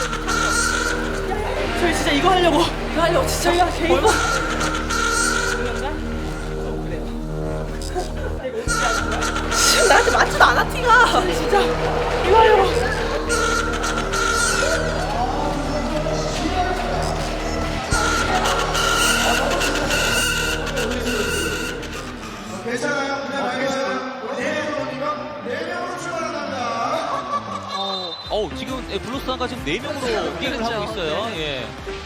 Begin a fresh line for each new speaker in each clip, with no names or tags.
저희 진짜 이거 하려고 진짜 저희가 개인 거 지금 나한테 맞지도 않아 티가 진짜 이거 하려고
괜찮아요? 그냥 알겠어요. 네 명으로 출발한답니다.
지금 블루스탄과 지금 4명으로 게임을 하고 있어요. 예.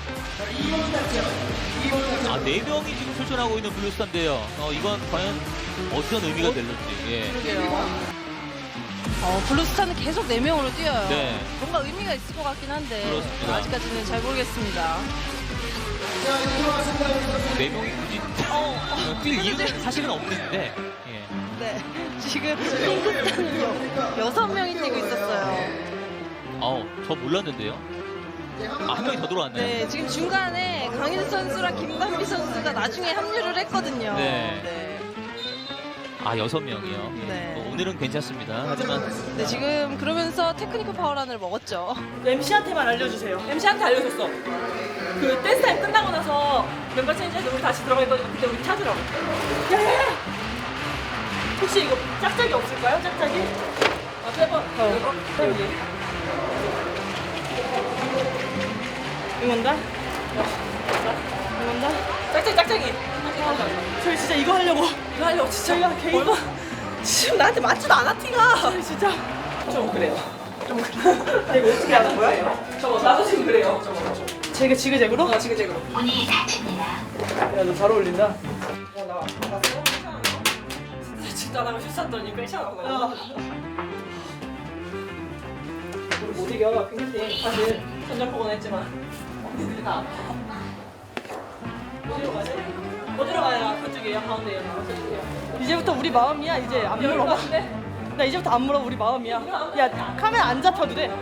아, 4명이 지금 출전하고 있는 블루스탄인데요. 이건 과연 어떤 의미가 될는지. 예.
그러게요. 블루스타는 계속 4명으로 뛰어요.
네.
뭔가 의미가 있을 것 같긴 한데
그렇습니다.
아직까지는 잘 모르겠습니다.
4명이 굳이 뛸 이유는 사실은 없는데. 예.
네. 지금 핑크스타는 6명이 뛰고 있었어요.
저 몰랐는데요. 한 명이 더 들어왔네요.
네, 지금 중간에 강인 선수랑 김반비 선수가 나중에 합류를 했거든요.
네. 6명이요.
네.
오늘은 괜찮습니다. 하지만
네, 지금 그러면서 테크니컬 파워란을 먹었죠.
MC한테만 알려주세요. MC한테 알려줬어. 그 댄스 타임 끝나고 나서 멤버 체인지해서 우리 다시 들어가 있거든요. 그때 우리 찾으라고. 야야야! 혹시 이거 짝짝이 없을까요? 짝짝이? 빼봐. 여기. 응원다? 응원다? 짝짝이. 저희 진짜 이거 하려고 진짜 저희가 개인 거 지금 나한테 맞지도 않아 티가 저희 진짜 좀 그래요. 이거 어떻게 하는 거야? 나도 지금 그래요. 제가 지그재그로? 지그재그로.
문이 닫힙니다.
야, 너 잘 어울린다. 나 봤어? 진짜 나가 실수했더니 괜찮아. 못 이겨. 핑크팀 사실 선전포고는 했지만 언니들이 다 어디로 가지? 어디로 가야 그쪽이에요? 가운데에요? 이제부터 우리 마음이야. 이제 안 물어봐. 나 이제부터 안 물어봐. 우리 마음이야. 야, 카메라 안 잡혀도 돼.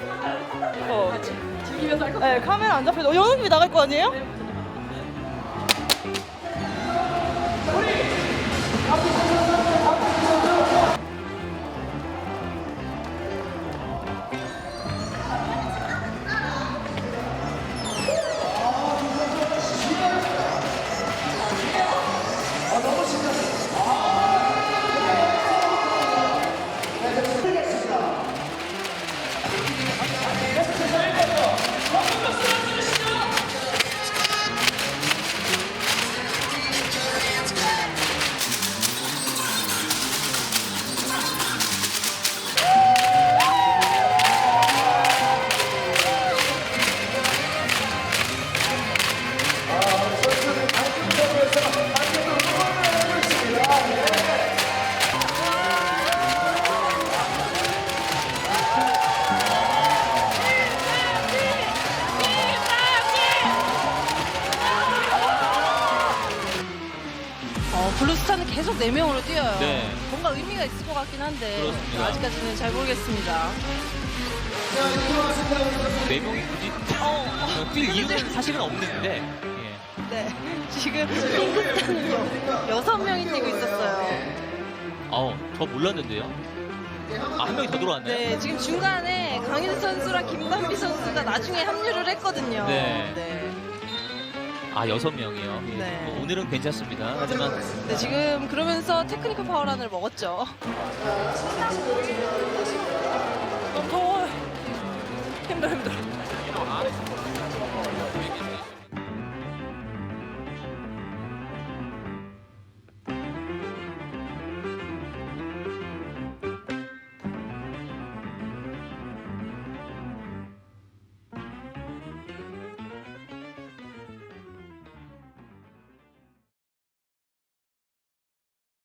즐기면서 할 거. 네, 카메라 안 잡혀도 연웅님이 나갈 거 아니에요?
블루스타는 계속 4명으로 뛰어요.
네.
뭔가 의미가 있을 것 같긴 한데
그렇습니다.
아직까지는 잘 모르겠습니다.
4명이 굳이 뛸 이유는 사실은 없는데. 예.
네. 지금 핑크스타는 6명이 뛰고 있었어요.
저 몰랐는데요. 한 명이 더 들어왔네요.
네, 지금 중간에 강인 선수랑 김반비 선수가 나중에 합류를 했거든요.
네. 6명이요. 예.
네.
오늘은 괜찮습니다. 하지만
네, 지금 그러면서 테크니컬 파워란을 먹었죠.
너무 더워. 힘들어.